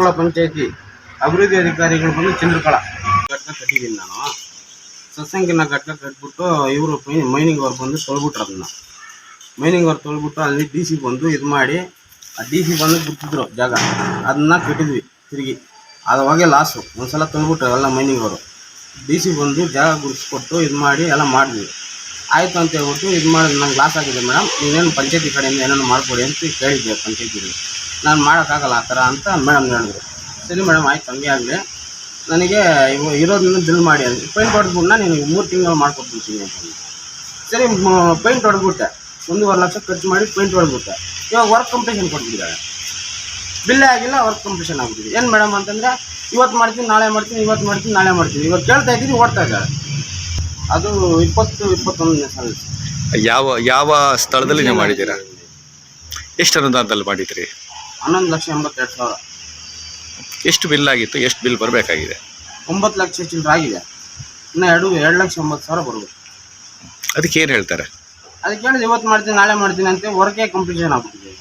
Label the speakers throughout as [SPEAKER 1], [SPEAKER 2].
[SPEAKER 1] ಚಂದ್ರಕಳ ಪಂಚಾಯತಿ ಅಭಿವೃದ್ಧಿ ಅಧಿಕಾರಿಗಳು ಬಂದು ಚಂದ್ರಕಳ ಘಟಕ ಕಟ್ಟಿದ್ದೀನಿ ನಾನು. ಸತ್ಸಂಗಿನ ಘಟಕ ಕಟ್ಬಿಟ್ಟು ಇವರು ಮೈನಿಂಗ್ ಅವ್ರು ಬಂದು ತೊಳ್ಬಿಟ್ರು. ಅದನ್ನು ಮೈನಿಂಗ್ ಅವ್ರು ತೊಳ್ಬಿಟ್ಟು ಅಲ್ಲಿ ಡಿ ಸಿ ಬಂದು ಇದು ಮಾಡಿ, ಆ ಡಿ ಸಿ ಬಂದು ಬಿಟ್ಟಿದ್ರು ಜಾಗ, ಅದನ್ನ ಕಟ್ಟಿದ್ವಿ ತಿರುಗಿ. ಅವಾಗೆ ಲಾಸು. ಒಂದ್ಸಲ ತೊಳ್ಬಿಟ್ರು ಎಲ್ಲ ಮೈನಿಂಗ್ ಅವರು. ಡಿ ಸಿ ಬಂದು ಜಾಗ ಗುಡಿಸ್ಕೊಟ್ಟು ಇದು ಮಾಡಿ ಎಲ್ಲ ಮಾಡಿದ್ವಿ. ಆಯಿತು ಅಂತ ಹೇಳ್ಬಿಟ್ಟು ಇದು ಮಾಡಿ ನಂಗೆ ಲಾಸ್ ಆಗಿದೆ ಮೇಡಮ್, ನೀವೇನು ಪಂಚಾಯತಿ ಕಡೆಯಿಂದ ಏನೇನು ಮಾಡಿಕೊಡಿ ಅಂತ ಕೇಳಿದ್ದೆ ಪಂಚಾಯತಿಗೆ. ನಾನು ಮಾಡೋಕ್ಕಾಗಲ್ಲ ಆ ಥರ ಅಂತ ಮೇಡಮ್ ಹೇಳಿದ್ರು. ಸರಿ ಮೇಡಮ್ ಆಯ್ತು, ಹಂಗೆ ಆಗಲಿ, ನನಗೆ ಇರೋದನ್ನ ಬಿಲ್ ಮಾಡಿ ಅಂತ ಪೇಂಟ್ ಹೊಡೆದ್ಬಿಟ್ಟು ನೀನು 3 ತಿಂಗಳು ಮಾಡ್ಕೊಟ್ಬಿಡ್ತೀನಿ ಅಂತ. ಸರಿ ಪೇಂಟ್ ಹೊಡೆದ್ಬಿಟ್ಟೆ, 1.5 ಲಕ್ಷ ಖರ್ಚು ಮಾಡಿ ಪೇಂಟ್ ಹೊಡೆದ್ಬಿಟ್ಟೆ. ಇವಾಗ ವರ್ಕ್ ಕಂಪ್ಲೀಷನ್ ಕೊಟ್ಬಿಟ್ಟಿದ್ದಾರೆ, ಬಿಲ್ಲೇ ಆಗಿಲ್ಲ, ವರ್ಕ್ ಕಂಪ್ಲೀಷನ್ ಆಗ್ಬಿಟ್ಟಿದೆ. ಏನು ಮೇಡಮ್ ಅಂತಂದರೆ ಇವತ್ತು ಮಾಡ್ತೀನಿ ನಾಳೆ ಮಾಡ್ತೀನಿ, ಇವತ್ತು ಮಾಡ್ತೀನಿ ನಾಳೆ ಮಾಡ್ತೀನಿ, ಇವತ್ತು ಕೇಳ್ತಾ ಇದ್ದೀನಿ ಓಡ್ತಾ ಇದ್ದಾರೆ. ಅದು 20-21ನೇ ಸಾಲ.
[SPEAKER 2] ಯಾವ ಸ್ಥಳದಲ್ಲಿ ನೀವು ಮಾಡಿದ್ದೀರಾ? ಎಷ್ಟು ಅನುದಾನದಲ್ಲಿ ಮಾಡಿದ್ರಿ?
[SPEAKER 1] 11,82,000.
[SPEAKER 2] ಎಷ್ಟು ಬಿಲ್ ಆಗಿತ್ತು? ಎಷ್ಟು ಬಿಲ್ ಬರಬೇಕಾಗಿದೆ?
[SPEAKER 1] 9 ಲಕ್ಷ ಚಿಲ್ಲರೆ ಆಗಿದೆ. ಇನ್ನು 2,90,000 ಬರ್ಬೇಕು.
[SPEAKER 2] ಅದಕ್ಕೆ ಏನು ಹೇಳ್ತಾರೆ?
[SPEAKER 1] ಅದಕ್ಕೆ ಹೇಳಿದ್ರೆ ಇವತ್ತು ಮಾಡ್ತೀನಿ ನಾಳೆ ಮಾಡ್ತೀನಿ ಅಂತ ವರ್ಕೇ ಕಂಪ್ಲೀಷನ್ ಆಗ್ಬಿಟ್ಟಿದೆ.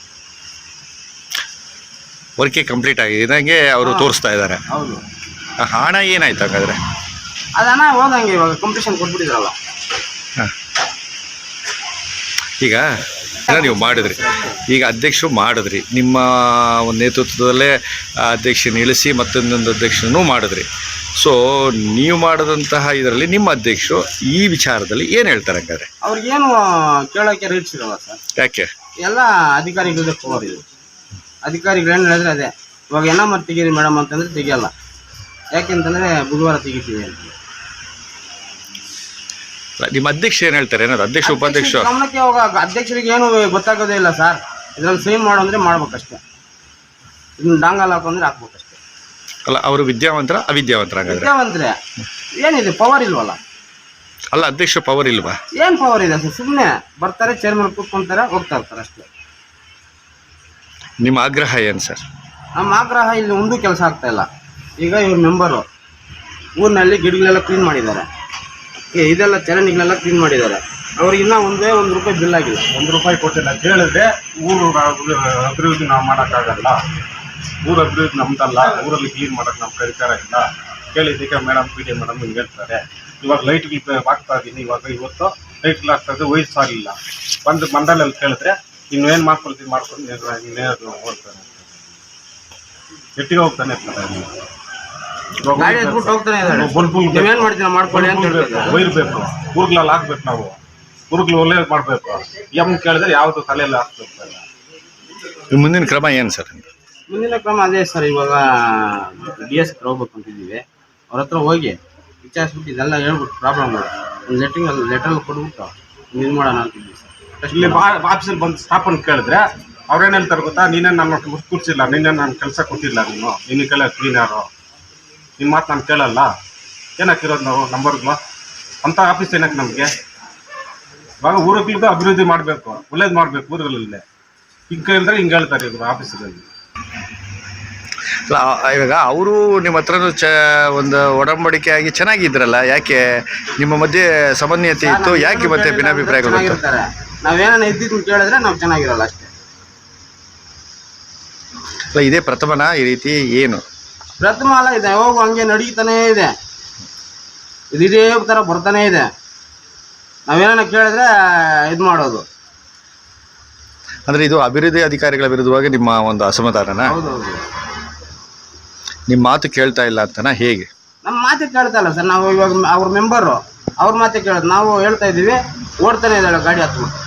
[SPEAKER 2] ವರ್ಕೇ ಕಂಪ್ಲೀಟ್ ಆಗಿದಂಗೆ ಅವರು ತೋರಿಸ್ತಾ ಇದ್ದಾರೆ.
[SPEAKER 1] ಹೌದು.
[SPEAKER 2] ಹಣ ಏನಾಯ್ತು ಹಾಗಾದ್ರೆ?
[SPEAKER 1] ಅದು ಹಣ ಹೋದಂಗೆ ಇವಾಗ ಕಂಪ್ಲೀಷನ್ ಕೊಟ್ಬಿಟ್ಟಿದ್ರಲ್ಲ.
[SPEAKER 2] ಈಗ ನೀವು ಮಾಡಿದ್ರಿ, ಈಗ ಅಧ್ಯಕ್ಷರು ಮಾಡಿದ್ರಿ, ನಿಮ್ಮ ಒಂದು ನೇತೃತ್ವದಲ್ಲೇ ಅಧ್ಯಕ್ಷನ ಇಳಿಸಿ ಮತ್ತೊಂದೊಂದು ಅಧ್ಯಕ್ಷನೂ ಮಾಡಿದ್ರಿ. ಸೊ ನೀವು ಮಾಡಿದಂತಹ ಇದರಲ್ಲಿ ನಿಮ್ಮ ಅಧ್ಯಕ್ಷರು ಈ ವಿಚಾರದಲ್ಲಿ ಏನು ಹೇಳ್ತಾರೆ ಹಂಗಾದ್ರೆ?
[SPEAKER 1] ಅವ್ರಿಗೇನು ಕೇಳೋಕ್ಕೆ ರೈಟ್ಸ್ ಇರಲ್ಲ ಸರ್.
[SPEAKER 2] ಯಾಕೆ?
[SPEAKER 1] ಎಲ್ಲ ಅಧಿಕಾರಿಗಳದೇ ಪವರ್ ಇದು. ಅಧಿಕಾರಿಗಳು ಏನು ಹೇಳಿದ್ರೆ ಅದೇ. ಇವಾಗ ಮತ್ತೆ ತೆಗೀರಿ ಮೇಡಮ್ ಅಂತಂದರೆ ತೆಗಿಯಲ್ಲ. ಯಾಕೆಂತಂದರೆ ಬುಧವಾರ ತೆಗಿತೀವಿ ಅಂತ.
[SPEAKER 2] ನಿಮ್ಮ ಅಧ್ಯಕ್ಷ ಏನು ಹೇಳ್ತಾರೆ? ಏನಾದ್ರು ಅಧ್ಯಕ್ಷ ಉಪಾಧ್ಯಕ್ಷ
[SPEAKER 1] ಗಮನಕ್ಕೆ ಹೋಗ ಅಧ್ಯಕ್ಷರಿಗೆ ಏನು ಗೊತ್ತಾಗೋದೇ ಇಲ್ಲ ಸರ್. ಇದ್ರಲ್ಲಿ ಸೈನ್ ಮಾಡು ಅಂದರೆ ಮಾಡ್ಬೇಕಷ್ಟೇ, ಇದನ್ನ ಡಾಂಗಲ್ ಹಾಕೊಂಡ್ರೆ ಹಾಕ್ಬೇಕಷ್ಟೇ.
[SPEAKER 2] ಅಲ್ಲ, ಅವರು ವಿದ್ಯಾವಂತರ ಅವಿದ್ಯಾವಂತರ?
[SPEAKER 1] ವಿದ್ಯಾವಂತರೇ. ಏನಿದೆ ಪವರ್ ಇಲ್ವಲ್ಲ?
[SPEAKER 2] ಅಲ್ಲ, ಅಧ್ಯಕ್ಷ ಪವರ್ ಇಲ್ವಾ?
[SPEAKER 1] ಏನು ಪವರ್ ಇದೆ ಸರ್? ಸುಮ್ಮನೆ ಬರ್ತಾರೆ, ಚೇರ್ಮನ್ ಕೂತ್ಕೊಂತಾರೆ, ಹೋಗ್ತಾ ಇರ್ತಾರೆ ಅಷ್ಟೇ.
[SPEAKER 2] ನಿಮ್ಮ ಆಗ್ರಹ ಏನು ಸರ್?
[SPEAKER 1] ನಮ್ಮ ಆಗ್ರಹ ಇಲ್ಲಿ ಒಂದೂ ಕೆಲಸ ಆಗ್ತಾ ಇಲ್ಲ. ಈಗ ಇವ್ರ ಮೆಂಬರು ಊರಿನಲ್ಲಿ ಗಿಡಗಳೆಲ್ಲ ಕ್ಲೀನ್ ಮಾಡಿದ್ದಾರೆ, ಇದೆಲ್ಲ ಚರಂಡಿಗಳೆಲ್ಲ ಕ್ಲೀನ್ ಮಾಡಿದ್ದಾರೆ. ಅವ್ರಿಗೆ ಇನ್ನೂ ಒಂದೇ ₹1 ಬಿಲ್ ಆಗಿಲ್ಲ.
[SPEAKER 3] ₹1 ಕೊಟ್ಟಿಲ್ಲ. ಕೇಳಿದ್ರೆ ಊರು ಅಭಿವೃದ್ಧಿ ನಾವು ಮಾಡೋಕ್ಕಾಗಲ್ಲ, ಊರು ಅಭಿವೃದ್ಧಿ ನಮ್ದಲ್ಲ, ಊರಲ್ಲಿ ಕ್ಲೀನ್ ಮಾಡೋಕ್ಕೆ ನಮ್ಮ ಕರಿಕಾರ ಇಲ್ಲ. ಕೇಳಿದ್ದಕ್ಕೆ ಮೇಡಮ್ ಪಿ ಡಿ ಮೇಡಮ್ ಹಿಂಗೆ ಹೇಳ್ತಾರೆ. ಇವಾಗ ಲೈಟ್ಗಳು ಹಾಕ್ತಾ ಇದ್ದೀನಿ, ಇವತ್ತು ಲೈಟ್ಗಳು ಹಾಕ್ತಾ ಇದ್ದರೆ ವಯಸ್ಸಾಗಲಿಲ್ಲ. ಬಂದು ಮಂಡಲಲ್ಲಿ ಕೇಳಿದ್ರೆ ಇನ್ನೇನು ಮಾಡ್ಕೊಂಡು ಹೋಗ್ತಾನೆ, ಎಟ್ಟಿಗೆ ಹೋಗ್ತಾನೆ ಇರ್ತಾರೆ. ವೈರ್ ಬೇಕು, ಊರುಗಳಲ್ಲಿ ಹಾಕ್ಬೇಕು, ನಾವು ಊರುಗಳು ಒಳ್ಳೇದು ಮಾಡಬೇಕು. ಎಮ್ ಕೇಳಿದ್ರೆ ಯಾವುದು ತಲೆಯಲ್ಲಿ ಹಾಕ್ಬೇಕು.
[SPEAKER 2] ಮುಂದಿನ ಕ್ರಮ ಏನು ಸರ್?
[SPEAKER 1] ಮುಂದಿನ ಕ್ರಮ ಅದೇ ಸರ್. ಇವಾಗ DS ಹೋಗ್ಬೇಕು ಅಂತಿದ್ದೀವಿ. ಅವ್ರ ಹತ್ರ ಹೋಗಿ ವಿಚಾರಿಸ್ಬಿಟ್ಟು ಇದೆಲ್ಲ ಹೇಳ್ಬಿಟ್ಟು ಪ್ರಾಬ್ಲಮ್ ಒಂದು ಲೆಟ್ರಲ್ಲಿ ಕೊಟ್ಬಿಟ್ಟು ಇದು ಮಾಡೋಣ ಅಂತಿದ್ದೀವಿ ಸರ್.
[SPEAKER 3] ಇಲ್ಲಿ ಆಫೀಸಲ್ಲಿ ಬಂದು ಸ್ಟಾಪ್ ಅಂತ ಕೇಳಿದ್ರೆ ಅವ್ರೇನು ಹೇಳ್ತಾರೆ ಗೊತ್ತಾ? ನೀನೇನು ನನ್ನ ಕೂರ್ಸಿಲ್ಲ, ನೀನೇನು ನಾನು ಕೆಲಸ ಕೊಟ್ಟಿಲ್ಲ, ನಿನ್ನ ಕೇಳ ಕ್ಲೀನರು, ನಿಮ್ಮ ಮಾತು ನಾನು ಕೇಳಲ್ಲ. ಏನಾಕಿರೋದು ನಾವು ನಂಬರ್ಗಳು ಅಂಥ ಆಫೀಸ್ ಏನಕ್ಕೆ ನಮಗೆ? ಇವಾಗ ಊರುಗಳಿಗೂ ಅಭಿವೃದ್ಧಿ ಮಾಡಬೇಕು, ಒಳ್ಳೇದು ಮಾಡಬೇಕು ಊರುಗಳಲ್ಲೇ. ಹಿಂಗೆ ಕೇಳಿದ್ರೆ ಹಿಂಗೆ ಹೇಳ್ತಾರೆ ಇವರು ಆಫೀಸಲ್ಲಿ.
[SPEAKER 2] ಇವಾಗ ಅವರು ನಿಮ್ಮ ಹತ್ರನೂ ಒಂದು ಒಡಂಬಡಿಕೆ ಆಗಿ ಚೆನ್ನಾಗಿದ್ರಲ್ಲ, ಯಾಕೆ ನಿಮ್ಮ ಮಧ್ಯೆ ಸಮನ್ವಯತೆ ಇತ್ತು, ಯಾಕೆ ಮತ್ತೆ ಭಿನ್ನಾಭಿಪ್ರಾಯಗಳು?
[SPEAKER 1] ನಾವೇನ ಇದ್ದಿದ್ದು ಕೇಳಿದ್ರೆ ನಾವು ಚೆನ್ನಾಗಿರಲ್ಲ ಅಷ್ಟೇ.
[SPEAKER 2] ಇದೇ ಪ್ರಥಮನ ಈ ರೀತಿ? ಏನು
[SPEAKER 1] ಪ್ರಥಮ ಅಲ್ಲ, ಇದೆ ಹೋಗು ಹಂಗೆ ನಡೀತಾನೇ ಇದೆ, ಇದೇ ಥರ ಬರ್ತಾನೇ ಇದೆ. ನಾವೇನ ಕೇಳಿದ್ರೆ ಇದು ಮಾಡೋದು.
[SPEAKER 2] ಅಂದರೆ ಇದು ಅಭಿವೃದ್ಧಿ ಅಧಿಕಾರಿಗಳ ವಿರುದ್ಧವಾಗಿ ನಿಮ್ಮ ಒಂದು ಅಸಮಾಧಾನ?
[SPEAKER 1] ಹೌದೌದು.
[SPEAKER 2] ನಿಮ್ಮ ಮಾತು ಕೇಳ್ತಾ ಇಲ್ಲ ಅಂತನಾ? ಹೇಗೆ?
[SPEAKER 1] ನಮ್ಮ ಮಾತೇ ಕೇಳ್ತಾ ಇಲ್ಲ ಸರ್. ನಾವು ಇವಾಗ ಅವ್ರ ಮೆಂಬರು, ಅವ್ರ ಮಾತೇ ಕೇಳೋದು. ನಾವು ಹೇಳ್ತಾ ಇದ್ದೀವಿ, ಓಡ್ತಾನೆ ಇದ್ದಾಳೆ ಗಾಡಿ ಹತ್ತು.